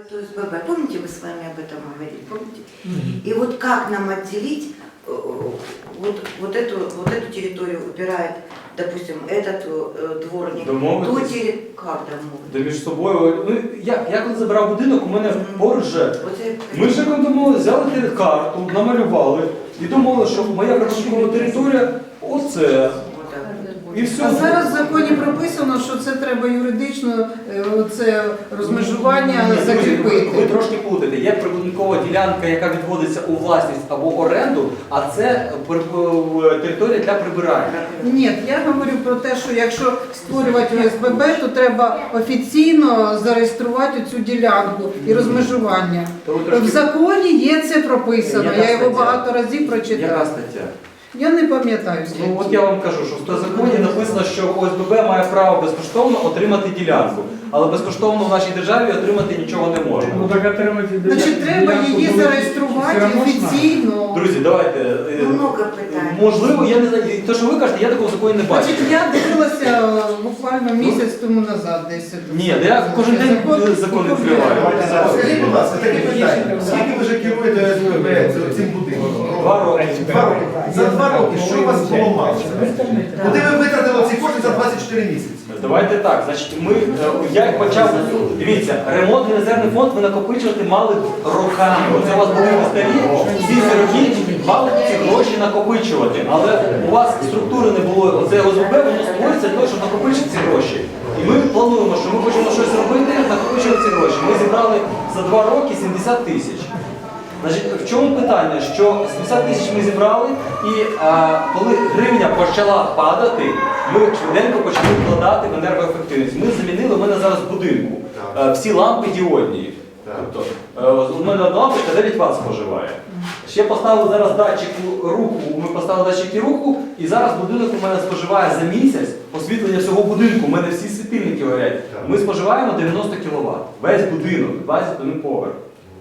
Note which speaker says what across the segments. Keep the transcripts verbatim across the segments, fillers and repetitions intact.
Speaker 1: ОСББ. Помните, мы с вами об этом говорили? Помните? Mm-hmm. И вот как нам отделить вот, вот, эту, вот эту территорию убирает, допустим, этот э, дворник, ту территорию, как домовитись?
Speaker 2: Да між собою, ну, я, я коли забирав будинок, у мене mm-hmm. поруч же, ми ж як думали, взяли карту, намалювали і думали, що моя прибудинкова територія оце. І все.
Speaker 3: А зараз в законі прописано, що це треба юридично, це розмежування
Speaker 2: Ні,
Speaker 3: закріпити.
Speaker 2: Ви, ви трошки плутаєте. Є прибудинкова ділянка, яка відводиться у власність або оренду, а це територія для прибирання.
Speaker 3: Ні, я говорю про те, що якщо створювати ОСББ, то треба офіційно зареєструвати цю ділянку і розмежування.
Speaker 2: Трошки...
Speaker 3: В законі є це прописано,
Speaker 2: Яка
Speaker 3: я його
Speaker 2: стаття?
Speaker 3: багато разів прочитала.
Speaker 2: Яка стаття?
Speaker 3: Я не пам'ятаю.
Speaker 2: Ну от я вам кажу, що в законі написано, що ОСББ має право безкоштовно отримати ділянку, але безкоштовно в нашій державі отримати нічого не можна.
Speaker 4: Ну так отримати ділянку.
Speaker 3: Значить, треба її зареєструвати офіційно.
Speaker 2: Друзі, давайте.
Speaker 1: Много питань.
Speaker 2: Можливо, я не знаю, те, що ви кажете, я такого закону не бачу.
Speaker 3: Значить, я дивилася буквально місяць тому назад десь.
Speaker 2: Ні, я кожен день закон відкриваю.
Speaker 5: Скажіть, будь ласка, таке питання. Скільки ви вже керуєте ОСББ цим будинком?
Speaker 2: Два роки.
Speaker 5: Два роки. За два роки, що у вас було мало? Куди ви витратили ці кошти за двадцять чотири місяці?
Speaker 2: Давайте так, значить, ми, я як почав, дивіться, ремонтний резервний фонд ви накопичувати мали роками. Оце у вас були старі, всі ці роки мали ці гроші накопичувати. Але у вас структури не було, оце ОСББ, воно створюється для того, щоб накопичити ці гроші. І ми плануємо, що ми хочемо щось робити, накопичувати ці гроші. Ми зібрали за два роки сімдесят тисяч. Значить, в чому питання? Що сімдесят тисяч ми зібрали, і а, коли гривня почала падати, ми швиденько почали вкладати в енергоефективність. Ми замінили, у мене зараз в будинку а, всі лампи діодні. Тобто, а, у мене одна лампочка дев'ять ватт споживає. Ще поставили зараз датчик руху, ми поставили датчики руху, і зараз будинок у мене споживає за місяць освітлення всього будинку, у мене всі світильники горять. Ми споживаємо дев'яносто кіловат. Весь будинок, двадцять один поверх.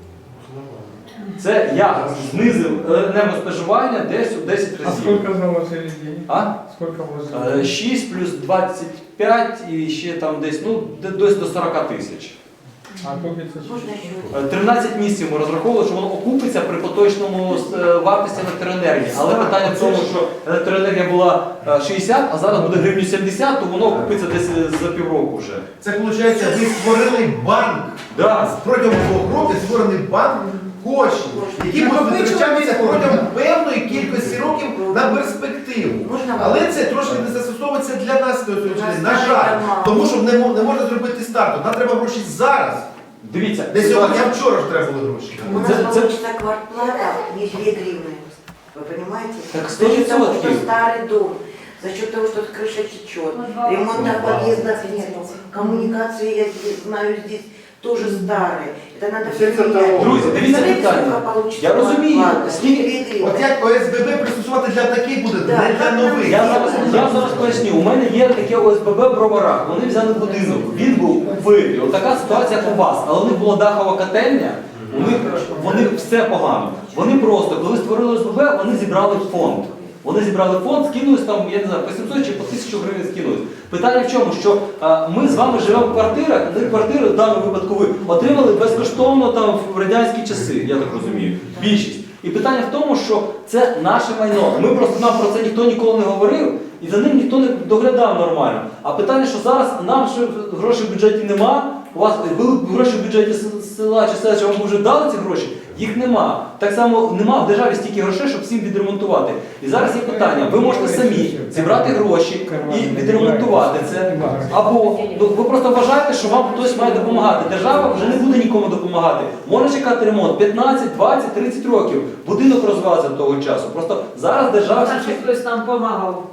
Speaker 2: Це я знизив енергоспоживання десь у десять разів.
Speaker 4: А сколько заложили денег?
Speaker 2: А?
Speaker 4: Сколько вложили?
Speaker 2: шість плюс двадцять п'ять і ще там десь, ну, десь до сорока тисяч.
Speaker 4: А купиться що?
Speaker 2: тринадцять місяців ми розраховували, що воно окупиться при поточному вартості електроенергії. Але питання в тому, що електроенергія була шістдесят, а зараз буде гривню сімдесят, то воно окупиться десь за півроку вже.
Speaker 5: Це виходить, ви створили банк.
Speaker 2: Да.
Speaker 5: Протягом двох років створений банк коштів, які будуть витрачатися протягом певної кількості років на перспективу. Але це трошки не застосовується для нас, на жаль. Тому що не можна зробити старту. Нам треба гроші зараз.
Speaker 2: Дивіться.
Speaker 5: Не сьогодні, а вчора ж треба були гроші.
Speaker 1: У нас получится квартплата не две гривны. Вы понимаете?
Speaker 2: Так
Speaker 1: За счет того, что
Speaker 2: сто
Speaker 1: старый дом, за счет того, что крыша течет, ремонта в подъездах нет, коммуникации, я здесь, знаю, здесь тоже старые. Это надо все менять.
Speaker 2: Друзі, дивіться питання. Я розумію, скільки...
Speaker 5: От як ОСББ пристосувати для таких буде, не для нових.
Speaker 2: Я зараз, я зараз поясню, у мене є таке ОСББ в Броварах, вони взяли будинок, він був у вирі, от така ситуація як у вас, але у них була дахова котельня, у них, вони все погано. Вони просто, коли створили ОСББ, вони зібрали фонд. Вони зібрали фонд, скинулись там, я не знаю, по сімсот чи по тисячу гривень скинулись. Питання в чому, що а, ми з вами живемо в квартирах, де квартири в даному випадку ви отримали безкоштовно там в радянські часи, я так розумію, більшість. І питання в тому, що це наше майно. Ми просто, нам про це ніхто ніколи не говорив, і за ним ніхто не доглядав нормально. А питання, що зараз нам що грошей в бюджеті нема, у вас були гроші в бюджеті села чи села, що вам вже дали ці гроші, їх нема. Так само нема в державі стільки грошей, щоб всім відремонтувати. І зараз є питання, ви можете самі зібрати гроші і відремонтувати це. Або ну, ви просто вважаєте, що вам хтось має допомагати. Держава вже не буде нікому допомагати. Може чекати ремонт п'ятнадцять, двадцять, тридцять років. Будинок розвалиться до того часу. Просто зараз держава...
Speaker 6: Значить, хтось нам допомагав.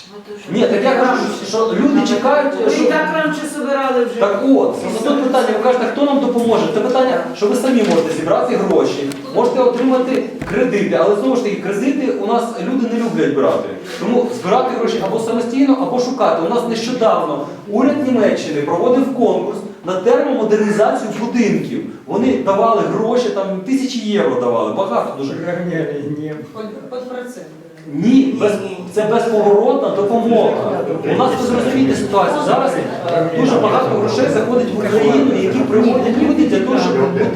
Speaker 2: Ні, так я кажу, що люди чекають...
Speaker 6: Ви
Speaker 2: що...
Speaker 6: і так раніше збирали вже.
Speaker 2: Так от, тут питання, ви кажете, хто нам допоможе? Це питання, що ви самі можете зібрати гроші, можете отримати кредити, але знову ж таки, кредити у нас люди не люблять брати. Тому збирати гроші або самостійно, або шукати. У нас нещодавно уряд Німеччини проводив конкурс на термомодернізацію будинків. Вони давали гроші, там тисячі євро давали, багато дуже.
Speaker 6: Під процент.
Speaker 2: Ні, без, це безповоротна допомога. У нас, ви зрозумієте ситуацію, зараз дуже багато грошей заходить в Україну, які приводять люди для того, щоб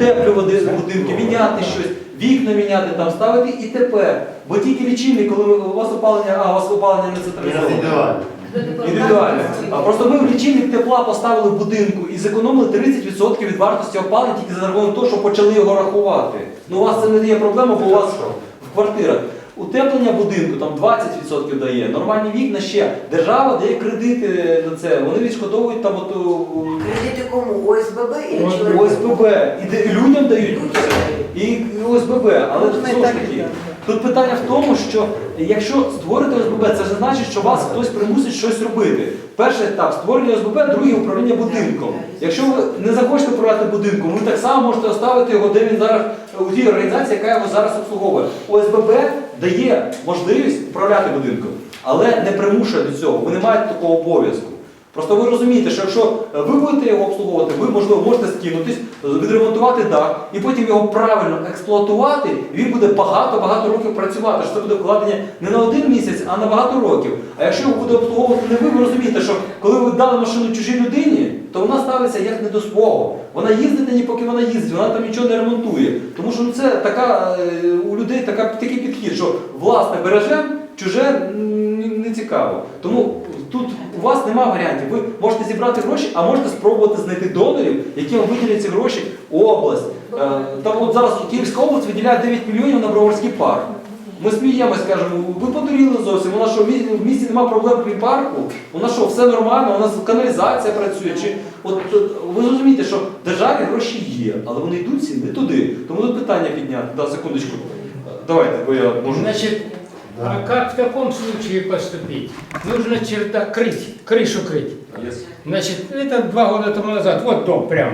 Speaker 2: утеплювати будинки, міняти щось, вікна міняти, там, ставити і тепер. Бо тільки лічильник, коли у вас опалення, а у вас опалення не централізоване. Індивідуально. А просто ми в лічильник тепла поставили в будинку і зекономили тридцять відсотків від вартості опалення тільки за рахунок того, що почали його рахувати. Ну у вас це не є проблема, бо у вас в квартирах. Утеплення будинку там двадцять відсотків дає, нормальні вікна ще. Держава дає кредити на це, вони відшкодовують там от,
Speaker 1: Кредиты кому? ОСББ или человеку?
Speaker 2: ОСББ. І де- людям дають і ОСББ. Але
Speaker 3: Можна і
Speaker 2: знову ж
Speaker 3: так, і
Speaker 2: таки,
Speaker 3: так.
Speaker 2: тут питання в тому, що якщо створити ОСББ, це ж значить, що вас хтось примусить щось робити. Перший етап створення ОСББ, другий управління будинком. Якщо ви не захочете управляти будинком, ви так само можете оставити його, де він зараз у тій організації, яка його зараз обслуговує. ОСББ дає можливість управляти будинком, але не примушує до цього. Ви не маєте такого обов'язку. Просто ви розумієте, що якщо ви будете його обслуговувати, ви, можливо, можете скинутись, відремонтувати дах і потім його правильно експлуатувати, і він буде багато-багато років працювати, що це буде вкладення не на один місяць, а на багато років. А якщо його буде обслуговувати не ви, ви розумієте, що коли ви дали машину чужій людині, то вона ставиться як не до свого. Вона їздить на ній, поки вона їздить, вона там нічого не ремонтує. Тому що ну, це така, е, у людей така, такий підхід, що власне бережемо, чуже м, не цікаво. Тому тут у вас немає варіантів. Ви можете зібрати гроші, а можете спробувати знайти донорів, які вам виділять ці гроші область. Е, Там от зараз Київська область виділяє дев'ять мільйонів на Броварський парк. Ми сміємось, кажемо, ви подуріли зовсім, у нас що, в місті немає проблем при парку, у нас що, все нормально, у нас каналізація працює. Чи, от, ви розумієте, що в державі гроші є, але вони йдуть всі не туди. Тому тут питання підняти. Да, секундочку. Давайте, бо я можу.
Speaker 7: Значит, а как в таком случае поступить? Нужно черта крыть, крышу крыть. Значит, это два года тому назад, вот дом прямо.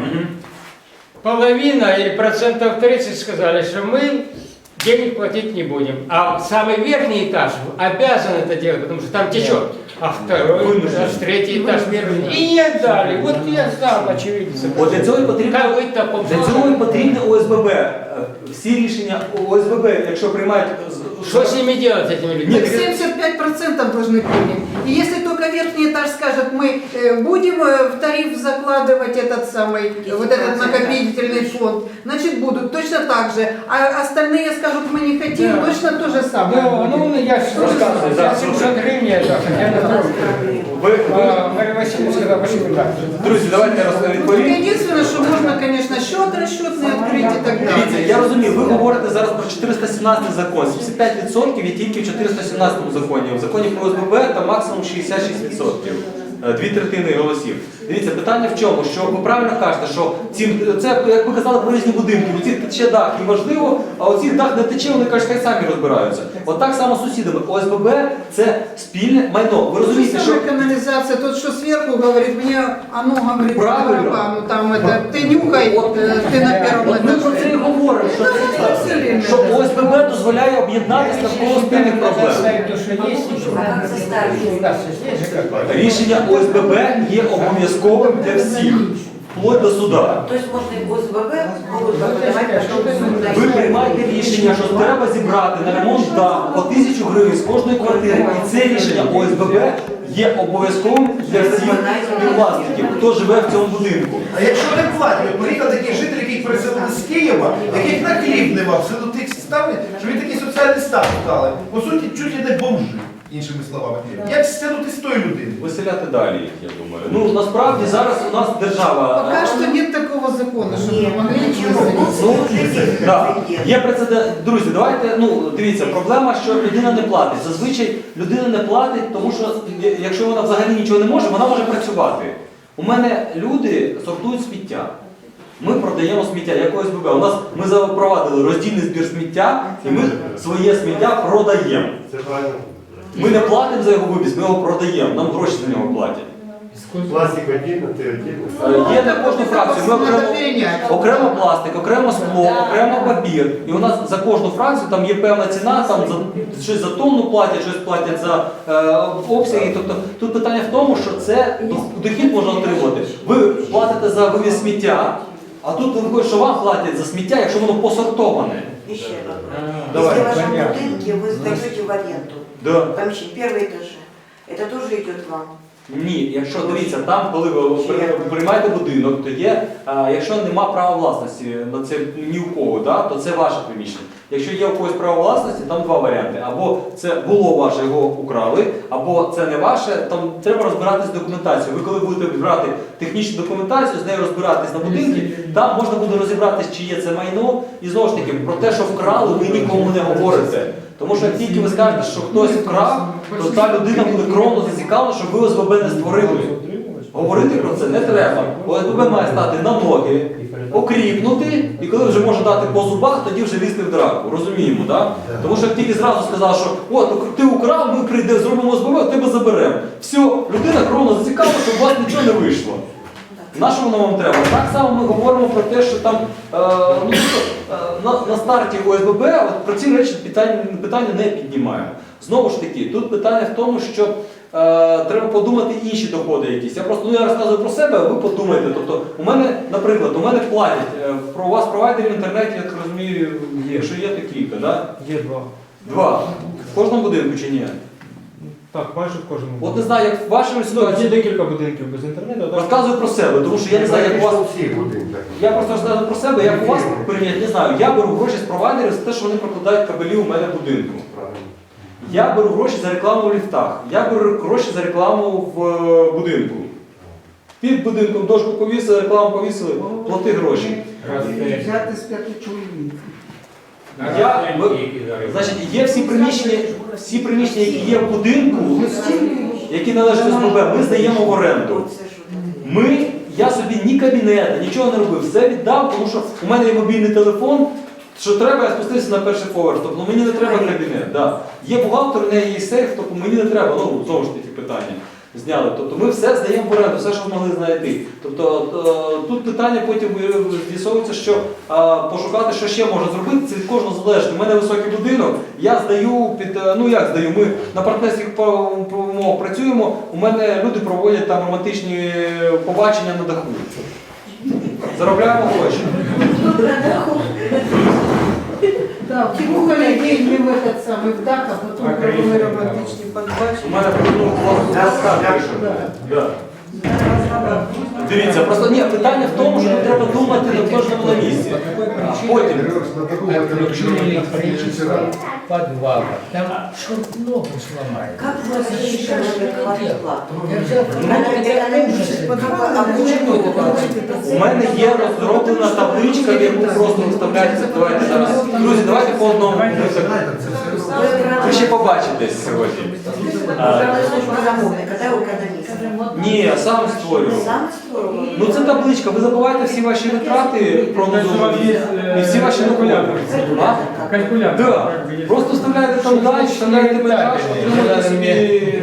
Speaker 7: Половина или процентов тридцать сказали, что мы денег платить не будем. А самый верхний этаж обязан это делать, потому что там течет. А второй этаж, третий этаж верхний. И не отдали. Вот я знал, очевидно.
Speaker 2: От для цього і потрібно,
Speaker 7: Как вы в таком
Speaker 2: для цього і потрібне ОСББ. Е, Всі рішення ОСББ, якщо приймають... з-
Speaker 7: Что с ними делать, с этими людьми?
Speaker 2: Нет,
Speaker 3: семьдесят пять процентов должны принять. И если только верхний этаж скажет, мы э, будем э, в тариф закладывать этот самый, вот этот накопительный фонд, значит будут точно так же. А остальные скажут, мы не хотим,
Speaker 7: Да.
Speaker 3: точно то же самое.
Speaker 7: Да,
Speaker 3: будет.
Speaker 7: ну я же рассказываю,
Speaker 2: Да.
Speaker 7: за семьсот гривен я так, я на тройку.
Speaker 2: Ви, ви,
Speaker 7: А Мария Васильевна сказала, почему так?
Speaker 2: друзі, давайте я роз-
Speaker 3: Ну,
Speaker 2: відповім.
Speaker 3: единственное, что можно, конечно, счет расчетный открыть и так
Speaker 2: Дивіться,
Speaker 3: далее.
Speaker 2: я розумію, ви говорите зараз про чотириста сімнадцятий закон. сімдесят п'ять відсотків є тільки в чотириста сімнадцятому законі. В законі про ОСББ там максимум шістдесят шість відсотків. Е, Дві третини голосів. Дивіться, питання в чому? Що ви правильно кажете, що ці, це, як ви казали про різні будинки, у цих тече дах і важливо, а у цих дах не тече, вони кажуть, хай самі розбираються. От так само з сусідами. ОСББ це спільне майно. Ви розумієте, що...
Speaker 3: Самая канализация, тот, что сверху говорит, мне оно говорит,
Speaker 2: Правильно.
Speaker 3: барабану, там это, ты нюхай, э, ты на первом
Speaker 2: От ми про це і
Speaker 3: этаже.
Speaker 2: говоримо, що,
Speaker 3: все
Speaker 2: що ОСББ дозволяє об'єднатися навколо спільних проблем.
Speaker 7: Оставить то, что есть, еще.
Speaker 1: Как заставить?
Speaker 7: У нас есть же как.
Speaker 2: Рішення ОСББ є обов'язковим для всіх, вплоть до суда.
Speaker 1: То есть можно и ОСББ могут подавать потом в суд.
Speaker 2: Ви приймаєте рішення, що треба зібрати на ремонт даху по тисячу гривень з кожної квартири. І це рішення ОСББ є обов'язковим для всіх власників, хто живе в цьому будинку.
Speaker 5: А якщо не платять, от приїхав такий житель, який переселили з Києва, яких на хліб нема, в силу тих ставлень, що він такий соціальний статус дали. По суті, чуть ли не бомжи, іншими словами. Як стягнути з тої людини?
Speaker 2: Виселяти далі їх, я думаю. Ну, насправді зараз у нас держава...
Speaker 3: Пока что нет такого закона, чтобы
Speaker 1: Нет,
Speaker 3: могли
Speaker 1: ничего.
Speaker 3: выселить.
Speaker 2: Ну,
Speaker 1: Слушайте,
Speaker 2: да.
Speaker 1: прецедент.
Speaker 2: Є прецедент. Друзі, давайте, ну, дивіться, проблема, що людина не платить. Зазвичай людина не платить, тому що якщо вона взагалі нічого не може, вона може працювати. У мене люди сортують сміття. Ми продаємо сміття, як ОСББ. У нас ми запровадили роздільний збір сміття, і ми своє сміття продаємо.
Speaker 8: Це правильно.
Speaker 2: Ми не платимо за його вивіз, ми його продаємо, нам гроші за нього платять.
Speaker 8: Пластик отдельно, ти отдельно.
Speaker 2: Е, Є на кожну фракцію. Ми окремо,
Speaker 3: Надо перенять.
Speaker 2: окремо пластик, окремо скло, окремо папір. І у нас за кожну фракцію там є певна ціна, там за щось за тонну платять, щось платять за е, обсяги. Тобто тут питання в тому, що це дохід можна отримувати. Ви платите за вивіз сміття, а тут виходить, що вам платять за сміття, якщо воно посортоване.
Speaker 1: Еще вопрос.
Speaker 2: Давай,
Speaker 1: Если в вашем
Speaker 7: понятно.
Speaker 1: будинке вы сдаете в аренду
Speaker 2: Да.
Speaker 1: помещение, первые этажи, это тоже идет вам.
Speaker 2: Ні, якщо дивіться, там, коли ви при- приймаєте будинок, то є, а, якщо нема права власності на це ні у кого, да, то це ваше приміщення. Якщо є у когось право власності, там два варіанти. Або це було ваше, його украли, або це не ваше, там треба розбиратися з документацією. Ви коли будете брати технічну документацію, з нею розбиратись на будинки, там можна буде розібратись, чи є це майно. І знову ж таки, про те, що вкрали, ви нікому не говорите. Тому що як тільки ви скажете, що хтось вкрав, то та людина буде кровно зацікавлена, щоб ви О С Б Б не створили. Говорити про це не треба. О С Б Б має стати на ноги, окріпнути, і коли вже може дати по зубах, тоді вже лізти в драку. Розуміємо, так? Тому що як тільки зразу сказав, що от ти украв, ми прийдемо, зробимо О С Б Б, тебе заберемо. Все, людина кровно зацікавлена, щоб у вас нічого не вийшло. На що воно вам треба? Так само ми говоримо про те, що там е, ну, е, на, на старті О С Б Б от, про ці речі питання, питання не піднімаємо. Знову ж таки, тут питання в тому, що е, треба подумати інші доходи якісь. Я просто ну, я розказую про себе, а ви подумайте. Тобто, у мене, наприклад, у мене платять, е, про вас провайдерів в інтернеті, я так розумію, є, що є то кілька, да?
Speaker 4: Є два.
Speaker 2: Два. В кожному будинку чи ні?
Speaker 4: Так, майже в кожному.
Speaker 2: От не знаю, як в вашій
Speaker 4: Є
Speaker 2: ситуації.
Speaker 4: декілька будинків без інтернету. так?
Speaker 2: Розказую про себе, тому що я не знаю, як у вас.
Speaker 8: всіх будинках.
Speaker 2: Я просто розказую про себе, як у вас прийнять, не знаю. Я беру гроші з провайдерів за те, що вони прокладають кабелі у мене в будинку. Я беру гроші за рекламу в ліфтах. Я беру гроші за рекламу в е, будинку. Під будинком дошку повісили, рекламу повісили, плати гроші.
Speaker 3: Взяти з п'яти чоловік.
Speaker 2: Я, ви- значить, є всі приміщення, всі приміщення, які є в будинку, які належать О С Б Б, ми здаємо в оренду.
Speaker 1: Оце ж от таке.
Speaker 2: Ми, я собі ні кабінета, нічого не робив, все віддав, тому що у мене є мобільний телефон, що треба, я спустився на перший поверх, тобто мені не треба кабінет. Да. Є бухгалтер, у неї є сейф, тобто мені не треба, ну, знову ж таки питання зняли. Тобто ми все здаємо в оренду, все, що змогли знайти. Тобто е, тут питання потім з'ясовується, що е, пошукати, що ще можна зробити, це від кожного залежить. У мене високий будинок, я здаю під, е, ну як здаю, ми на партнерських умовах працюємо, у мене люди проводять там романтичні побачення на даху. Заробляємо гроші.
Speaker 3: Да, втюхали деньги в этот самый в дак, а потом провели романтичні
Speaker 2: У
Speaker 3: подбачення.
Speaker 2: мене ну, да. Дивіться, просто ні, питання в тому, що нам треба думати на кожному на місці. А потім.
Speaker 7: Подвал. Там черт ногу сломает.
Speaker 1: Как вы разрешите налоговую плату?
Speaker 2: У мене є розроблена табличка, в яку просто виставляється. Давайте зараз. Друзі, давайте по одному. Ви ще побачитесь сьогодні. Ні, я сам створював.
Speaker 1: Сам створював?
Speaker 2: Ну це табличка, ви забуваєте всі ваші витрати прогнозовані і всі ваші доходи. А?
Speaker 4: Калькулятор.
Speaker 2: Да. Просто вставляєте там далі, вставляєте метраж, отримуєте собі.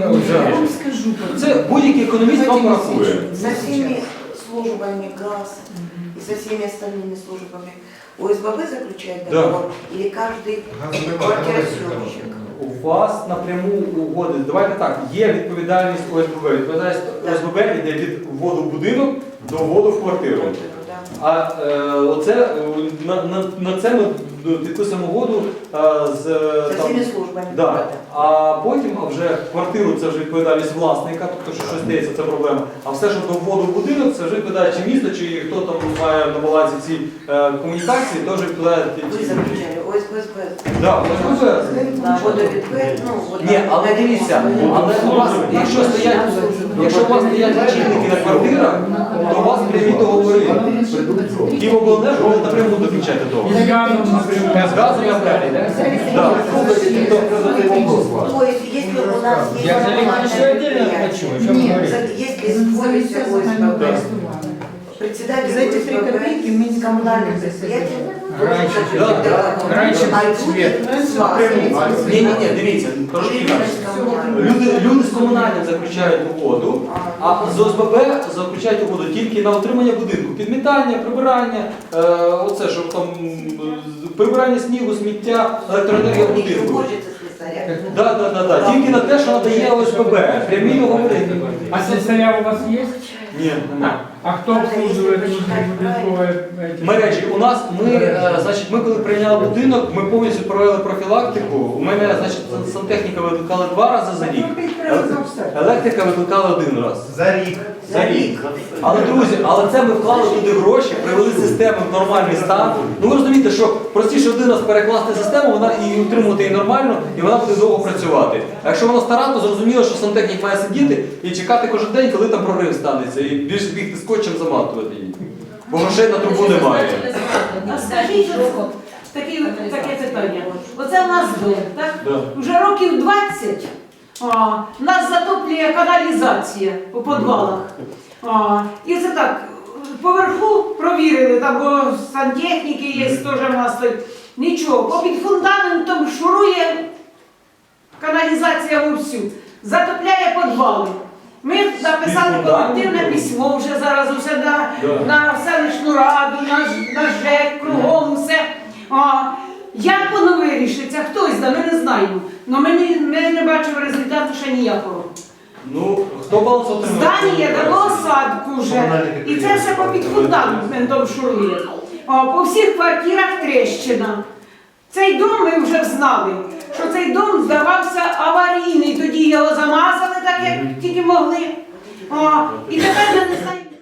Speaker 2: Це будь-який економіст вам порахує.
Speaker 1: Со всеми службами ГАЗ и со всеми остальными службами О С Б Б заключает
Speaker 2: Да.
Speaker 1: договор или каждый квартиросъемщик?
Speaker 2: У вас напряму угоди. Давайте так, є відповідальність О С Б Б. Відповідальність О С Б Б йде від вводу в будинок до вводу в квартиру.
Speaker 1: Да.
Speaker 2: А е, оце, е, на, на, на це ми підписуємо угоду е, з
Speaker 1: Со
Speaker 2: там,
Speaker 1: всеми службами.
Speaker 2: да. А потім а вже квартиру це вже відповідальність власника, тобто що щось стається, це проблема. А все, що до вводу в будинок, це вже відповідає чи місто, чи хто там має на балансі ці е, комунікації, теж відповідає
Speaker 1: Вы
Speaker 2: ті.
Speaker 1: заключали О С Б Б.
Speaker 2: Да, О С Б Б.
Speaker 1: На водовідвед, ну, вот
Speaker 2: Ні,
Speaker 1: на-
Speaker 2: але
Speaker 1: на
Speaker 2: дивіться,
Speaker 1: ремонт.
Speaker 2: але у вас, якщо стоять, якщо у вас стоять лічильники на квартирах, то у вас прямі договори. Київобленерго ви напряму заключаєте договор.
Speaker 4: З газом напряму.
Speaker 2: З газом я вдалі, так?
Speaker 1: То есть, если у нас есть
Speaker 7: Я за
Speaker 1: коммунальное
Speaker 7: электричество отдельно
Speaker 1: предприятие,
Speaker 7: плачу, о чем
Speaker 3: Нет,
Speaker 7: говорить?
Speaker 1: если створится О С Б Б, председатель
Speaker 3: За эти
Speaker 1: О С
Speaker 3: три
Speaker 1: Б Б
Speaker 3: копейки мы не
Speaker 1: с коммунальным
Speaker 3: сможем
Speaker 1: предприятием
Speaker 7: Раньше,
Speaker 1: должен заключить
Speaker 2: да,
Speaker 1: договор.
Speaker 7: раньше
Speaker 1: А
Speaker 7: свет.
Speaker 1: люди с вас.
Speaker 2: Ні, ні, ні, дивіться, трошки інакше. Люди, люди з комунальним заключають угоду, а з О С Б Б заключають угоду тільки на утримання будинку. Підмітання, прибирання, е, оце, щоб там е, прибирання снігу, сміття, електроенергія
Speaker 1: У них
Speaker 2: будинку.
Speaker 1: уборщица слесаря.
Speaker 2: Да, да, да, да. Тільки на те, що надає О С Б Б. Прямі договори.
Speaker 4: А слесаря у вас есть?
Speaker 2: Ні, нема.
Speaker 4: А кто обслуживает будинковые эти?
Speaker 2: Мережі. У нас ми, е, значить, ми коли прийняли будинок, ми повністю провели профілактику. У мене, значить, сантехніка викликали два рази за рік.
Speaker 6: привезли все.
Speaker 2: Електрика викликали один раз.
Speaker 5: За рік.
Speaker 2: За рік. Але, друзі, але це ми вклали туди гроші, привели систему в нормальний стан. Ну ви розумієте, що простіше один раз перекласти систему, вона і утримувати її нормально, і вона буде довго працювати. А якщо вона стара, то зрозуміло, що сантехнік має сидіти і чекати кожен день, коли там прорив станеться, і більше бігти скотчем заматувати її. Бо грошей на трубу немає.
Speaker 6: А скажіть, от, таке, таке питання. Оце в нас дом, так?
Speaker 2: Да.
Speaker 6: Вже років двадцять а, нас затоплює каналізація у підвалах. А, і це так, поверху провірили, там бо сантехніки є, теж в нас тут. Нічого, попід фундаментом шурує каналізація вовсю, затопляє підвали. Ми написали колективне письмо вже зараз усе на, на селищну раду, на, на ЖЕК, кругом все. А, як воно вирішиться, хтось да, ми не знаємо. Але ми, не- ми не бачимо результату ще ніякого.
Speaker 2: Ну, хто баланс отримав?
Speaker 6: Здання дало осадку вже. І це все попід фундаментом шурує. А, по всіх квартирах тріщина. Цей дом ми вже знали, що цей дом здавався аварійний. Тоді його замазали так, як тільки могли. О, і тепер ми не знаємо.